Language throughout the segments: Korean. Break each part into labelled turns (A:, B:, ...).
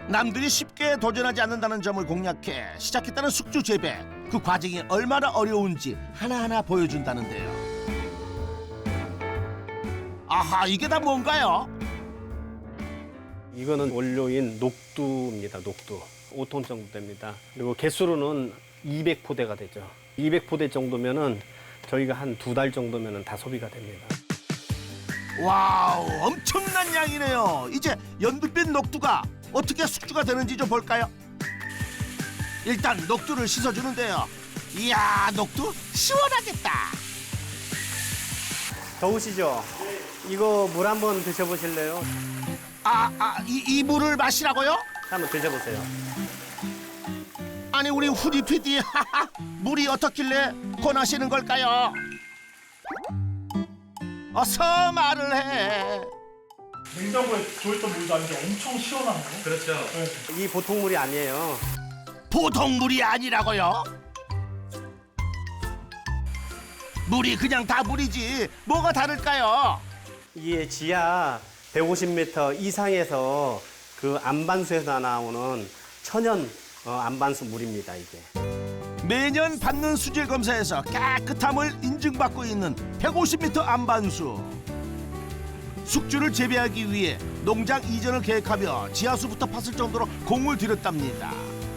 A: 남들이 쉽게 도전하지 않는다는 점을 공략해 시작했다는 숙주 재배. 그 과정이 얼마나 어려운지 하나하나 보여준다는데요. 아하, 이게 다 뭔가요?
B: 이거는 원료인 녹두입니다. 녹두. 5톤 정도 됩니다. 그리고 개수로는 200포대가 되죠. 200포대 정도면은 저희가 한 2달 정도면은 다 소비가 됩니다.
A: 와우, 엄청난 양이네요. 이제 연두빛 녹두가 어떻게 숙주가 되는지 좀 볼까요? 일단 녹두를 씻어주는데요. 이야, 녹두 시원하겠다.
B: 더우시죠? 이거 물 한번 드셔보실래요?
A: 이 물을 마시라고요?
B: 한번 드셔보세요.
A: 아니, 우리 후디 PD 물이 어떻길래 권하시는 걸까요? 어서 말을 해.
C: 냉장고에 들어있던 물도 아닌데 엄청 시원하네요.
B: 그렇죠. 이 보통 물이 아니에요.
A: 보통 물이 아니라고요? 물이 그냥 다 물이지 뭐가 다를까요?
B: 이게 지하 150m 이상에서 그 안반수에서 나오는 천연 안반수 물입니다, 이게.
A: 매년 받는 수질 검사에서 깨끗함을 인증받고 있는 150m 안반수. 숙주를 재배하기 위해 농장 이전을 계획하며 지하수부터 팠을 정도로 공을 들였답니다.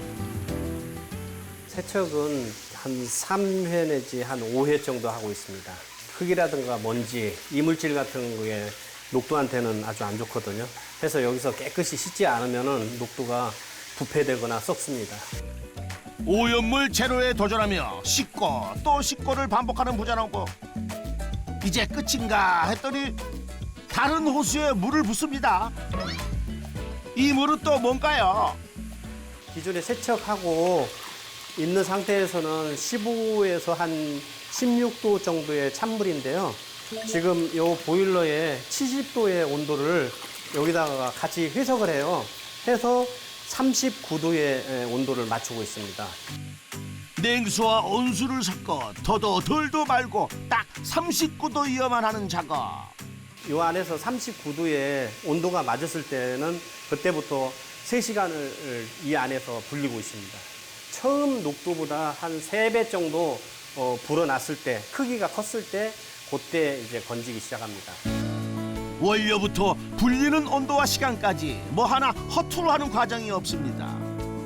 B: 세척은 한 3회 내지 한 5회 정도 하고 있습니다. 흙이라든가 먼지, 이물질 같은 거에 녹두한테는 아주 안 좋거든요. 그래서 여기서 깨끗이 씻지 않으면 녹두가 부패되거나 썩습니다.
A: 오염물 제로에 도전하며 씻고 또 씻고를 반복하는 부자농부. 이제 끝인가 했더니 다른 호수에 물을 붓습니다. 이 물은 또 뭔가요?
B: 기존에 세척하고 있는 상태에서는 15에서 한 16도 정도의 찬물인데요. 지금 이 보일러에 70도의 온도를 여기다가 같이 회석을 해요. 해서 39도의 온도를 맞추고 있습니다.
A: 냉수와 온수를 섞어 더도 덜도 말고 딱 39도여만 하는 작업.
B: 이 안에서 39도의 온도가 맞았을 때는 그때부터 3시간을 이 안에서 불리고 있습니다. 처음 녹두보다 한 3배 정도 불어났을 때, 크기가 컸을 때 그때 이제 건지기 시작합니다.
A: 원료부터 불리는 온도와 시간까지 뭐 하나 허투루 하는 과정이 없습니다.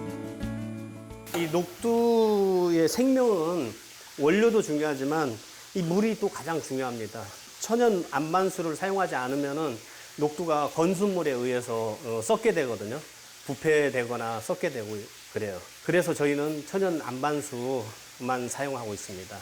B: 이 녹두의 생명은 원료도 중요하지만 이 물이 또 가장 중요합니다. 천연 안반수를 사용하지 않으면은 녹두가 건수물에 의해서 썩게 되거든요. 부패되거나 썩게 되고 그래요. 그래서 저희는 천연 안반수만 사용하고 있습니다.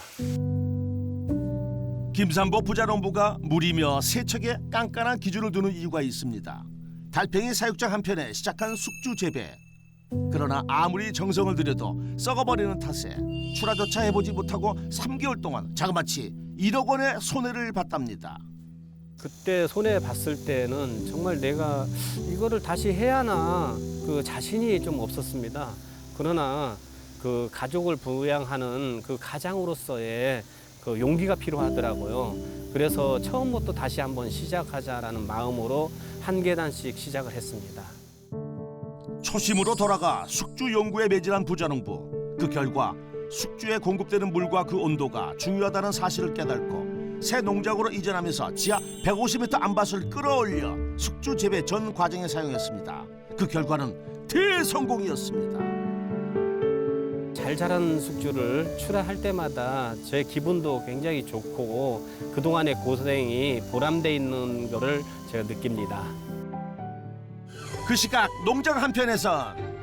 A: 김삼보 부자농부가 물이며 세척에 깐깐한 기준을 두는 이유가 있습니다. 달팽이 사육장 한편에 시작한 숙주 재배. 그러나 아무리 정성을 들여도 썩어버리는 탓에 출하조차 해보지 못하고 3개월 동안 자그마치 1억 원의 손해를 봤답니다.
B: 그때 손해 봤을 때는 정말 내가 이거를 다시 해야 하나 그 자신이 좀 없었습니다. 그러나 그 가족을 부양하는 그 가장으로서의 그 용기가 필요하더라고요. 그래서 처음부터 다시 한번 시작하자라는 마음으로 한 계단씩 시작을 했습니다.
A: 초심으로 돌아가 숙주 연구에 매진한 부자농부. 그 결과 숙주에 공급되는 물과 그 온도가 중요하다는 사실을 깨닫고 새 농장으로 이전하면서 지하 150m 안밭을 끌어올려 숙주 재배 전 과정에 사용했습니다. 그 결과는 대성공이었습니다.
B: 잘 자란 숙주를 출하할 때마다 제 기분도 굉장히 좋고 그동안의 고생이 보람돼 있는 거를 제가 느낍니다.
A: 그 시각 농장 한편에선